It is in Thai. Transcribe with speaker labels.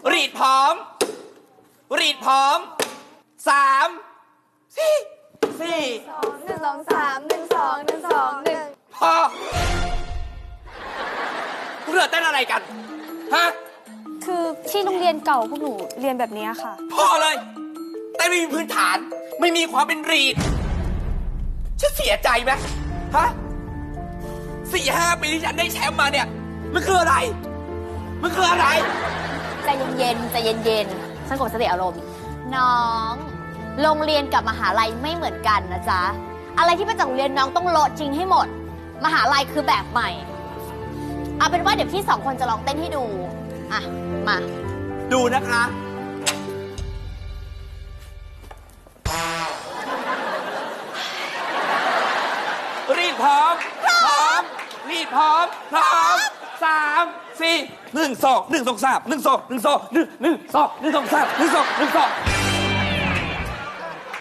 Speaker 1: รีดพร้อมรีดพร้อมสามสี่
Speaker 2: 1 2 3 1 2 1 2 1
Speaker 1: พอพวกเธอเต้นอะไรกันฮะ
Speaker 2: คือที่โรงเรียนเก่าพวกหนูเรียนแบบนี้ค่ะ
Speaker 1: พอเลยเต้นไม่มีพื้นฐานไม่มีความเป็นรีดฉันเสียใจไหมฮะ4-5 ปีที่ฉันได้แชมป์มาเนี่ยมันคืออะไรมันคืออะไร
Speaker 3: ใจเย็นๆใจเย็นๆสงบสติอารมณ์น้องโรงเรียนกับมหาลัยไม่เหมือนกันนะจ๊ะอะไรที่มาจากโรงเรียนน้องต้องโละจริงให้หมดมหาลัยคือแบบใหม่เอาเป็นว่าเดี๋ยวพี่2 คนจะลองเต้นให้ดูอ่ะมา
Speaker 1: ดูนะคะรีดพร้อมรีดพร้อม3 4 1 2 1 2 3 1 2 1 2 1 1 2 1 2 3 1 2 1 2